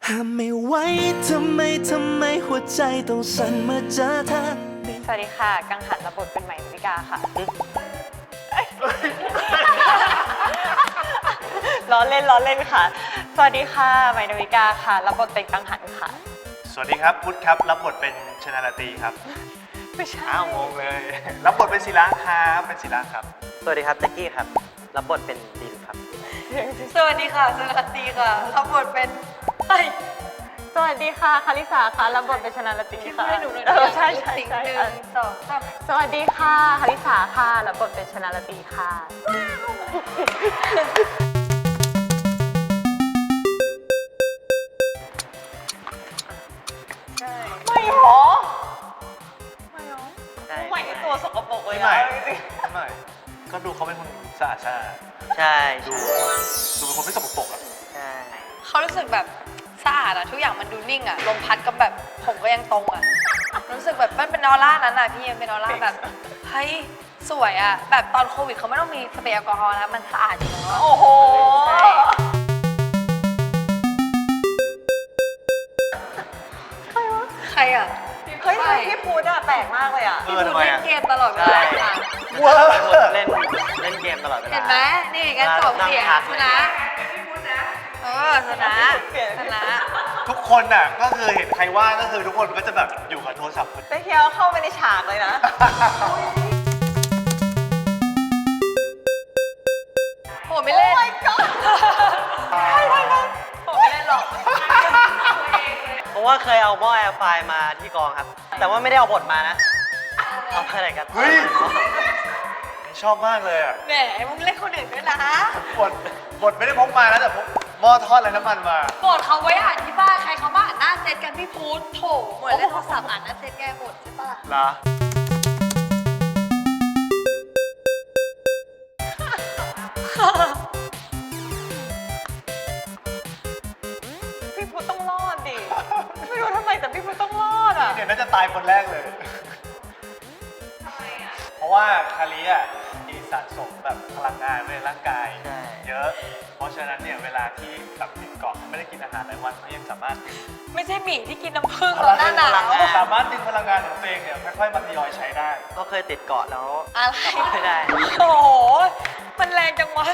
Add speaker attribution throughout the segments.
Speaker 1: ห้ามไม่ไหวทำไมหัวใจต้องสั่นเมื่อเจอเธอ
Speaker 2: สวัสดีค่ะ กังหันรับบทเป็นใหม่ดาวิกาค่ะ ล้อเล่นค่ะ สวัสดีค่ะใหม่ดาวิกาค่ะ รับบทเป็นกังหันค่ะ
Speaker 3: สวัสดีครับพุทธครับรับบทเป็นชนาลาตรีครับ
Speaker 2: ไม่ใช่
Speaker 3: อ้าวงงเลย รับบทเป็นศิลาครับเป็นศิลาครับ
Speaker 4: สวัสดีครับแจ็คกี้ครับ รับบทเป็นดินครับ
Speaker 2: สวัสดีค่ะสวัสดีค่ะ รับบทเป็นสวัสดีค่ะคาริสาค่ะ รับบทเป็นชนาลตีค่ะให้หนูหน่อยใช่ใช่ใช่สวัสดีค่ะคาริสาค่ะ รับบทเป็นชนาลตีค่ะไม่หรอไม่หรอ
Speaker 4: ใช่
Speaker 2: ใหม่ตัวสกปรกเลย
Speaker 3: ไม่
Speaker 2: อะ
Speaker 3: ไม่ก็ดูเขาเป็นคนสะอาดสะอาด
Speaker 4: ใช่
Speaker 3: ดูเป็นคนไม่สกปรกอ่ะ
Speaker 4: ใช่
Speaker 2: เขารู้สึกแบบสะอาดอะทุกอย่างมันดูนิ่งอะลมพัดก็แบบผมก็ยังตรงอะรู้สึกแบบมันเป็นออร่านั้นอะพี่ยังเป็นออร่าแบบเฮ้ยสวยอะแบบตอนโควิดเขาไม่ต้องมีสเปรย์แอลกอฮอล์แล้วมันสะอาดอยู่แล้วโอ้โหใครอะเฮ้ยพี่พูดอะแปลกมากเลยอะพี่พูดเล่นเกมตลอดเวลาค่ะ
Speaker 3: ว้าว
Speaker 4: เล่นเกมตลอดเวลา
Speaker 2: เห็นไหมนี่กันสองเสียงชนะชนะ
Speaker 3: ทุกคนน่ะก็คือเห็นใครว่างก็คือทุกคนก็จะแบบอยู่กับโทรศัพท์
Speaker 2: แต่เฮียเข้าไปในฉากเลยนะโหไม่เล่นโอ้ my god โหไม่เล่นหรอก
Speaker 4: เพราะว่าเคยเอาหม้อแอร์ไฟล์มาที่กองครับ แต่ว่าไม่ได้เอาบทมานะ เอามาอะไรกัน
Speaker 3: เฮ้ยชอบมากเลยอ่ะ
Speaker 2: แหมมึงเล่นคนอื่นด้วยนะ
Speaker 3: บทไม่ได้พกมานะแต่พกหม้อทอดไรน้ำมันมา
Speaker 2: โกรธเขาไว้อ่านที่บ้านใครเขามาอ่านหน้าเซตกันพี่พูดโถเหมือนเล่นโทรศัพท์อ่านหน้าเซตแกหมดใช่ปะ
Speaker 3: เหรอ
Speaker 2: พี่พูดต้องรอดดิ ไม่รู้ทำไมแต่พี่พูดต้องรอดอ่ะ
Speaker 3: เดี๋ยวน่าจะตายคนแรกเลย เพราะว่าคาริอ่ะมีสะสมแบบพลังงานไว้ในร่างกาย
Speaker 4: ใช่
Speaker 3: เยอะ เพราะฉะนั้นเนี่ยเวลาที่แบบติดเกาะไม่ได้กินอาหารหลายวันเขายังสามารถดึง
Speaker 2: ไม่ใช่หมีที่กินน้ำผึ้งตอนหน้าหนาว
Speaker 3: สามารถดึงพลังงานของตัวเองเนี่ยค่อยๆมาทยอยใช้ได้
Speaker 4: ก็เคยติดเกาะแล้ว
Speaker 2: อะไร
Speaker 4: กลับไม่ได้
Speaker 2: โอ้โห มันแรงจังวะ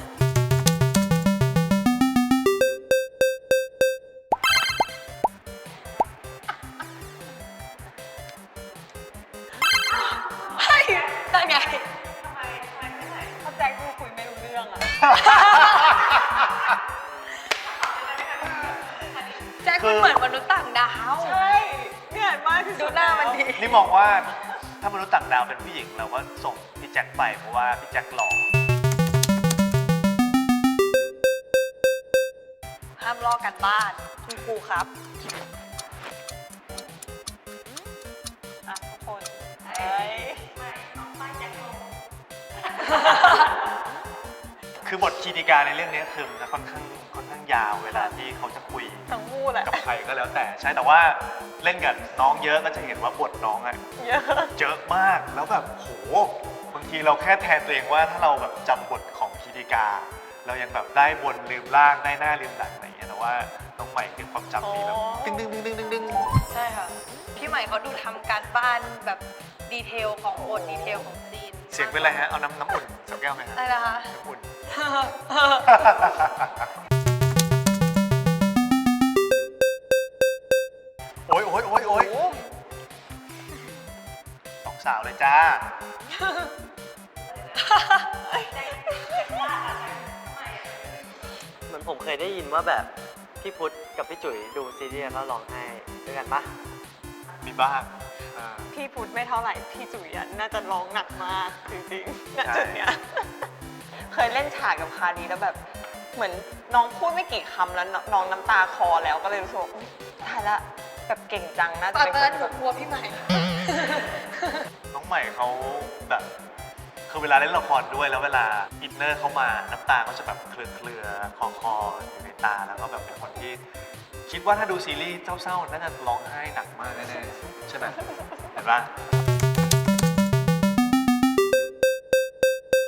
Speaker 2: เฮ้ยนั่นไงทำไมถ้าแจ็คดูคุยไม่รู้เรื่องอะ แจ็คมันเหมือนมนุษย์ต่างดาว ใช่เนี่ยมากที่สุดดูหน้ามันดี
Speaker 3: นี่มองว่าถ้ามนุษย์ต่างดาวเป็นผู้หญิงเราก็ส่งพี่แจ็คไปเพราะว่าพี่แจ็คหล่อ
Speaker 2: ห้ามลอกกันบ้านคุณครูครับอ่ะทุกคนเฮ้ย
Speaker 3: คือบทคีติการในเรื่องนี้คือมันจะค่อนข้างยาวเวลาที่เขาจะคุย
Speaker 2: ทั้งคู่แหละ
Speaker 3: กับใครก็แล้วแต่ใช่แต่ว่าเล่นกับน้องเยอะก็จะเห็นว่าบทน้องอะ
Speaker 2: เยอะ
Speaker 3: เยอะมากแล้วแบบโหบางทีเราแค่แทนตัวเองว่าถ้าเราแบบจำบทของคีติกา เรายังแบบได้บนลืมล่างได้หน้าลืมหลังอะไรอย่างเงี้ยแต่ว่าน้องใหม่คือความจำดีแบบดึงดึงดึงดึงดึงดึง
Speaker 2: ใช่ค่ะ พี่ใหม่เขาดูทำการบ้านแบบดีเทลของบทดีเทลของซีน
Speaker 3: เสียงเป็นไรฮะเอาน้ำอุ่นสักแก้วไหมฮะ
Speaker 2: อะไรนะคะ
Speaker 3: น้ำอุ่น โอ้ยโอ้ยโอ้ยโอ้ยสองสาวเลยจ้า
Speaker 4: เหมือนผมเคยได้ยินว่าแบบพี่พุทธกับพี่จุ๋ยดูซีรีส์แล้วร้องไห้ด้วยกันปะ
Speaker 3: มีบ้างอ่า
Speaker 5: พี่พุทธไม่เท่าไหร่ พี่จุ๋ยอะน่าจะร้องหนักมากจริงๆณ
Speaker 3: ใช่
Speaker 5: จุดเนี้ย เคยเล่นฉากกับคาดีแล้วแบบ เหมือนน้องพูดไม่กี่คำแล้วน้องน้ำตาคลอแล้วก็เลยรู้สึกว่าอุ๊ยตายละแบบเก่งจังน่าจะ
Speaker 2: ตอน
Speaker 5: เป็นค
Speaker 2: นั้น
Speaker 5: น
Speaker 2: หนู
Speaker 5: แบบ
Speaker 2: กลัวพี่ใหม่
Speaker 3: น้องใหม่เขาแบบคือเวลาเล่นละครด้วยแล้วเวลาอินเนอร์เข้ามาน้ำตาเขาจะแบบเคลือคออยู่ในตาแล้วก็แบบเป็นคนที่คิดว่าถ้าดูซีรีส์เศร้าๆน่าจะร้องไห้หนักมากแน่ๆใช่ไหมเห็นปะ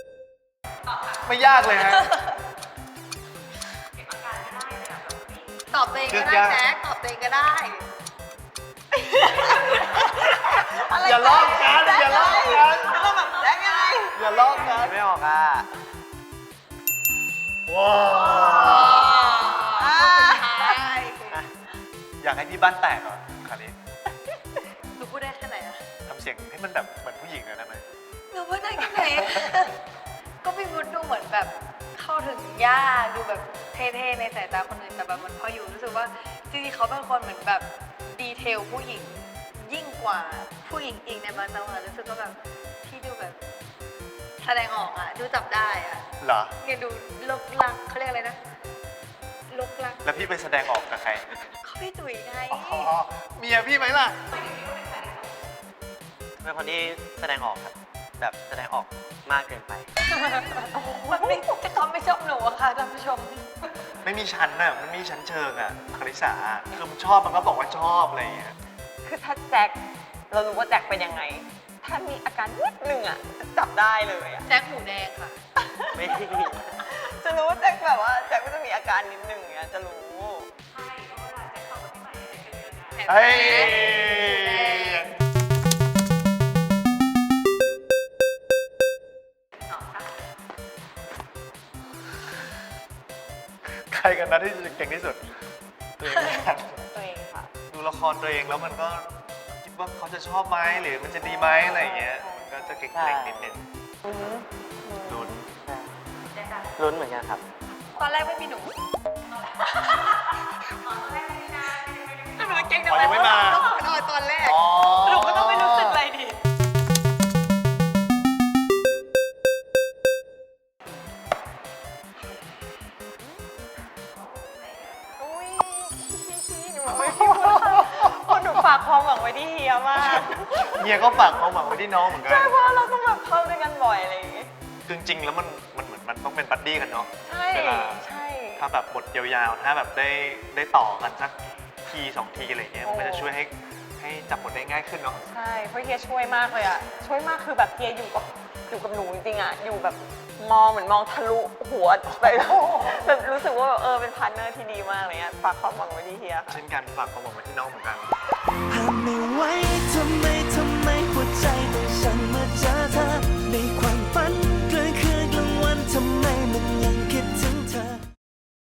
Speaker 3: ไม่ยากเลยฮะ
Speaker 2: ตอบตัวเองก็ได้แจ๊คตอบตัวเองก็ได้
Speaker 3: อย่าลอกกันอย่าลอกกัน
Speaker 5: แล้วก็แบบแจ๊กยังไง
Speaker 3: อย่าลอกกัน
Speaker 4: ไม่ออกอ่ะ
Speaker 3: ว้าว
Speaker 5: อ่า
Speaker 3: อยากให้พี่บ้านแตกเหรอคราวนี้
Speaker 2: หนูพูดได้แค่ไหนอะ
Speaker 3: ทำเสียงให้มันแบบเหมือนผู้หญิงเลยได้ไหม
Speaker 2: หนูพูดได้แค่ไหน ก็พี่วุฒิดูเหมือนแบบเข้าถึงยากดูแบบเท่ๆในสายตาคนอื่นแต่แบบมันพออยู่รู้สึกว่าจริงๆเขาเป็นคนเหมือนแบบดีเทลผู้หญิงยิ่งกว่าผู้หญิงอีกในบางจังหวะรู้สึกก็แบบที่ดูแบบแสดงออกอะดูจับได้อะ
Speaker 3: เหรอ
Speaker 2: เนี่ยดูลกลักเขาเรียกอะไรนะลกลัก
Speaker 3: แล้วพี่ไปแสดงออกกับใคร
Speaker 2: เขาพี่ตุ๋ยไง
Speaker 3: อ๋อเมียพี่ไหมล่ะ
Speaker 4: เป็นคนที่แสดงออกครับ แบบแสดงออกมากเกินไป
Speaker 2: มันไม่เขาไม่ชอบหนูอะค่ะท่านผู้ชม
Speaker 3: ไม่มีชั้นน่ะมันไม่มีชั้นเชิงอ่ะคาริสาคือมันชอบมันก็บอกว่าชอบอะไรอย่างเงี้ย
Speaker 5: คือถ้าแจ็คเรารู้ว่าแจ็คเป็นยังไง ถ้ามีอาการนิดนึงอ่ะจะจับได้เลยอ่ะ
Speaker 2: แจ็คหมูแดงค่ะ
Speaker 4: ไม่
Speaker 5: จะรู้ว่าแจ็คแบบว่าแจ็คก็จะมีอาการนิดนึงอ่ะจะรู้
Speaker 3: เฮ้ยใครกันนะที่เก่งที่สุดตัวเองนะครับ
Speaker 5: ตัวเองค่ะ
Speaker 3: ดูละครตัวเองแล้วมันก็คิดว่าเขาจะชอบไหมหรือมันจะดีไหมอะไรอย่างเงี้ยมันก็จะเก่งๆนิดนึงลุ้น
Speaker 4: ลุ้นเหมือนกันครับ
Speaker 2: ตอนแรกไม่มีหนู
Speaker 5: แต่มันเก่ง
Speaker 3: อ๋อยังไม่มา
Speaker 5: ตอนแรก
Speaker 3: อ๋อ
Speaker 5: หนูก็ต้องไม่รู้สึกอะไรดิ อุ้ยหนูไม่พูดคนหนูฝากความหวังไว้ที่เฮียมาก
Speaker 3: เมียก็ฝากความหวังไว้ที่น้องเหมือนกัน
Speaker 5: ใช่เพราะเราต้องแบบเข้าด้วยกันบ่อยอะไรอย่างงี้
Speaker 3: คือจริงๆแล้วมันเหมือนมันต้องเป็นบัดดี้กันเนาะ
Speaker 5: ใช่
Speaker 3: เวลา
Speaker 5: ใช่
Speaker 3: ถ้าแบบบทยาวๆ ถ้าแบบได้ต่อกันสักทีสองทีอะไรเงี้ย มันก็จะช่วยให้จับบทได้ง่ายขึ้นเนาะ
Speaker 5: ใช่เพราะเฮียช่วยมากเลยอะช่วยมากคือแบบเฮียอยู่กับหนูจริงๆอะอยู่แบบมองเหมือนมองทะลุหัวไปแบบรู้สึกว่าแบบเป็นพาร์ทเนอร์ที่ดีมากเลยอะฝากความหวังไว้ที่เฮียค่ะ
Speaker 3: เช่นกันฝากความหวังไว้ที่น้องเหมือนกัน
Speaker 1: ห้ามไม่ไหวทำไม